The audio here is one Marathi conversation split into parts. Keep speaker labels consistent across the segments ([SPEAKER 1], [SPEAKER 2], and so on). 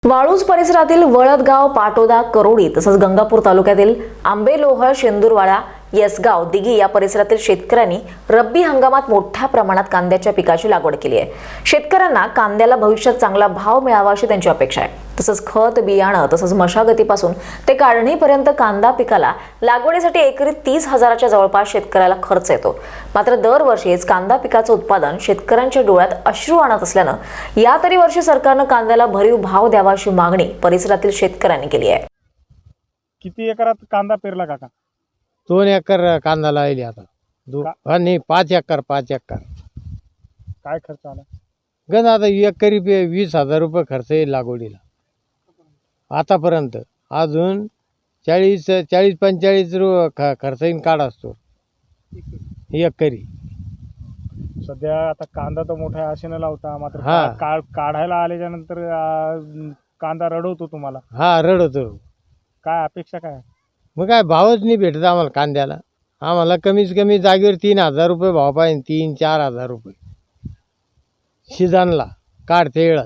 [SPEAKER 1] वाळूज परिसरातील वळदगाव, पाटोदा, करोडी तसंच गंगापूर तालुक्यातील आंबेलोहळ, शेंदूरवाडा, येसगाव, दिघी या परिसरातील शेतकऱ्यांनी रब्बी हंगामात मोठ्या प्रमाणात कांद्याच्या पिकाची लागवड केली आहे। शेतकऱ्यांना कांद्याला भविष्यात चांगला भाव मिळावा अशी त्यांची अपेक्षा आहे। तसंच खत, बियाणं तसंच मशागतीपासून ते काढणीपर्यंत कांदा पिकाला लागवडीसाठी एकरी 30,000च्या जवळपास शेतकऱ्याला खर्च येतो। मात्र दरवर्षीच कांदा पिकाचं उत्पादन शेतकऱ्यांच्या डोळ्यात अश्रू आणत असल्यानं या तरी वर्षी सरकारनं कांद्याला भरीव भाव द्यावा अशी मागणी परिसरातील शेतकऱ्यांनी केली आहे।
[SPEAKER 2] किती एकरात कांदा पेरला काका?
[SPEAKER 3] 2 एकर कांदा लावली आता। नाही 5 एकर 5 एकर।
[SPEAKER 2] काय खर्च आला?
[SPEAKER 3] गण आता एकरी 20,000 रुपये खर्च येईल लागवडीला आतापर्यंत। अजून 40-45 खर्च येईन काढ असतो एकरी।
[SPEAKER 2] सध्या आता कांदा तर मोठ्या आशेने लावता, मात्र
[SPEAKER 3] हा।
[SPEAKER 2] काढायला आल्याच्या नंतर कांदा रडवतो तुम्हाला।
[SPEAKER 3] हा, रडतो।
[SPEAKER 2] काय अपेक्षा काय?
[SPEAKER 3] मग काय भावच नाही भेटत आम्हाला कांद्याला। आम्हाला कमीत कमी जागेवर 3,000 रुपये भाव पाहिजे, 3-4 रुपये सीजनला काढते वेळात।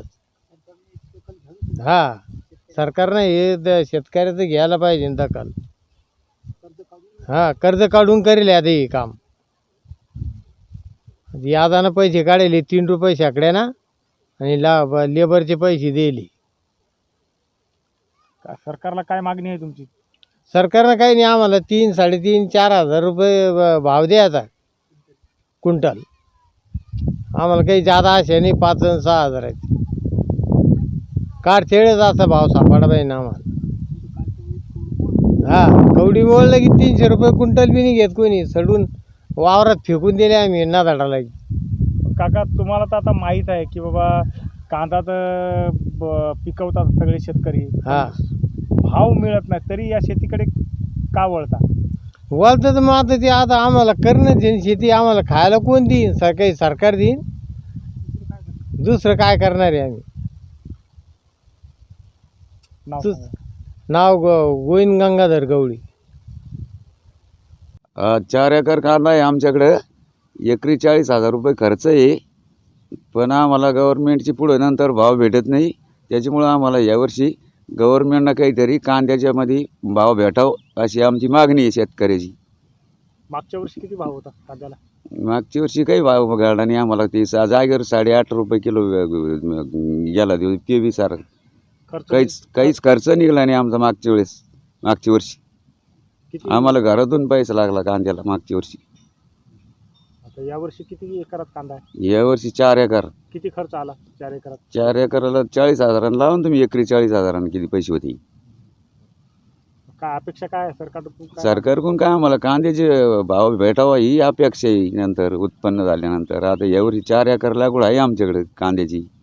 [SPEAKER 3] हा, सरकारनं हे शेतकऱ्याचं घ्यायला पाहिजे दखल। हा, कर्ज काढून करेल आता हे काम। यादानं पैसे काढले 3 रुपये शेकड्याना आणि लेबरचे पैसे दिले।
[SPEAKER 2] सरकारला काय मागणी आहे तुमची?
[SPEAKER 3] सरकारनं काही नाही, आम्हाला 3-3.5-4 रुपये भाव द्यायचा क्विंटल। आम्हाला काही जादा आशा नाही, 5-6 आहेत काढतेळच असा भाव सापडा पाहिजे ना आम्हाला। हा, कवडी मोडलं की 300 रुपये क्विंटल बी नाही घेत कोणी, सडून वावरात फेकून दिले आम्ही नादाडाला।
[SPEAKER 2] काका, तुम्हाला तर आता माहीत आहे की बाबा कांदा तर पिकवतात सगळे शेतकरी,
[SPEAKER 3] हा,
[SPEAKER 2] भाव मिळत नाही, तरी या शेतीकडे का वळता?
[SPEAKER 3] वळतं तर मग आता ते आता आम्हाला करणं देईन शेती, आम्हाला खायला कोण देईन? काही सरकार देईन, दुसरं काय करणार आहे आम्ही? नाव गोविंद गंगाधर गवळी।
[SPEAKER 4] 4 एकर कांदा आहे आमच्याकडे, एकरी 40,000 रुपये खर्च आहे। पण आम्हाला गव्हर्नमेंटची पुढे नंतर भाव भेटत नाही, त्याच्यामुळं आम्हाला यावर्षी गव्हर्नमेंटनं काहीतरी कांद्याच्यामध्ये भाव भेटावं अशी आमची मागणी आहे शेतकऱ्याची।
[SPEAKER 2] मागच्या वर्षी किती भाव होता कांद्याला?
[SPEAKER 4] मागच्या वर्षी काही भाव घडला नाही आम्हाला, ते जागेवर 8.5 रुपये किलो गेला देऊ, ते बी सारं काहीच खर्च निघाला नाही आमचा मागच्या वर्षी। आम्हाला घरातून पैसा लागला कांद्याला मागच्या वर्षी।
[SPEAKER 2] या वर्षी किती एकरात कांदा आहे?
[SPEAKER 4] यावर्षी 4 एकर।
[SPEAKER 2] किती खर्च आला 4 एकरात?
[SPEAKER 4] 4 एकराला 40,000 लावून तुम्ही एकरी 40,000 किती पैसे होते?
[SPEAKER 2] काय अपेक्षा काय सरकारकडून?
[SPEAKER 4] सरकारकडून काय आम्हाला कांद्याचे भाव भेटावा ही अपेक्षा आहे नंतर उत्पन्न झाल्यानंतर। आता यावर्षी 4 एकर लागवड आहे आमच्याकडे कांद्याची।